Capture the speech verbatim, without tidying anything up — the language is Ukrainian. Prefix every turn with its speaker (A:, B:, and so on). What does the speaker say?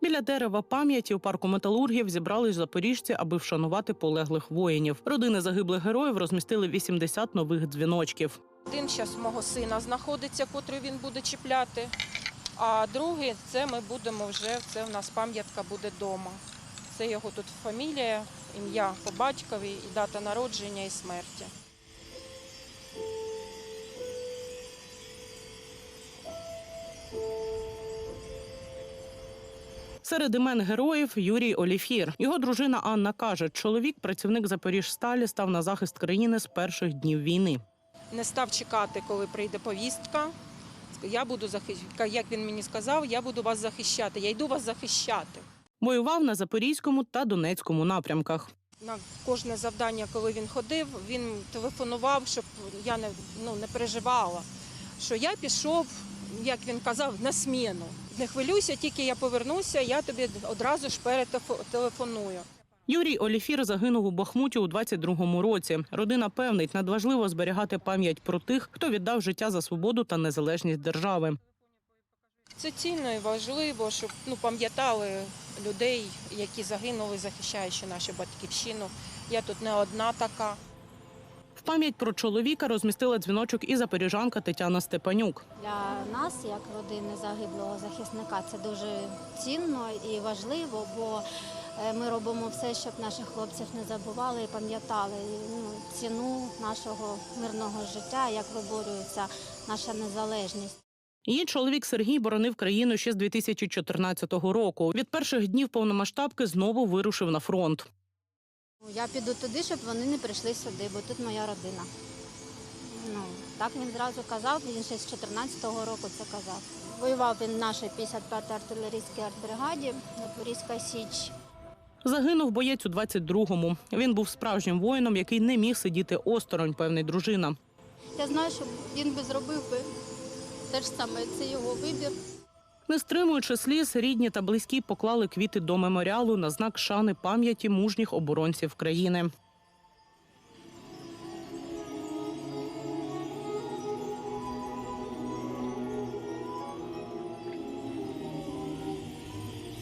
A: Біля дерева пам'яті у парку металургів зібрались запоріжці, аби вшанувати полеглих воїнів. Родини загиблих героїв розмістили вісімдесят нових дзвіночків.
B: Один зараз мого сина знаходиться, котрий він буде чіпляти, а другий – це ми будемо вже, це в нас пам'ятка буде вдома. Це його тут фамілія, ім'я по батькові, і дата народження і смерті.
A: Серед імен героїв – Юрій Оліфір. Його дружина Анна каже, чоловік, працівник Запоріжсталі, став на захист країни з перших днів війни.
B: Не став чекати, коли прийде повістка. Я буду захищати, як він мені сказав, я буду вас захищати, я йду вас захищати.
A: Воював на Запорізькому та Донецькому напрямках.
B: На кожне завдання, коли він ходив, він телефонував, щоб я не, ну, не переживала, що я пішов, як він казав, на зміну. Не хвилюйся, тільки я повернуся, я тобі одразу ж перетелефоную.
A: Юрій Оліфір загинув у Бахмуті у двадцять другому році. Родина певнить, надважливо зберігати пам'ять про тих, хто віддав життя за свободу та незалежність держави.
B: Це цінно і важливо, щоб ну, пам'ятали людей, які загинули, захищаючи нашу батьківщину. Я тут не одна така.
A: В пам'ять про чоловіка розмістила дзвіночок і запоріжанка Тетяна Степанюк.
C: Для нас, як родини загиблого захисника, це дуже цінно і важливо, бо ми робимо все, щоб наших хлопців не забували і пам'ятали ну, ціну нашого мирного життя, як виборюється наша незалежність.
A: Її чоловік Сергій боронив країну ще з дві тисячі чотирнадцятого року. Від перших днів повномасштабки знову вирушив на фронт.
C: Я піду туди, щоб вони не прийшли сюди, бо тут моя родина. Ну, так він зразу казав, він ще з чотирнадцятого року це казав. Воював він в нашій п'ятдесят п'ятій артилерійській артбригаді, Запорізька Січ.
A: Загинув боєць у двадцять другому. Він був справжнім воїном, який не міг сидіти осторонь, певний дружина.
C: Я знаю, що він би зробив би те ж саме, це його вибір.
A: Не стримуючи сліз, рідні та близькі поклали квіти до меморіалу на знак шани пам'яті мужніх оборонців країни.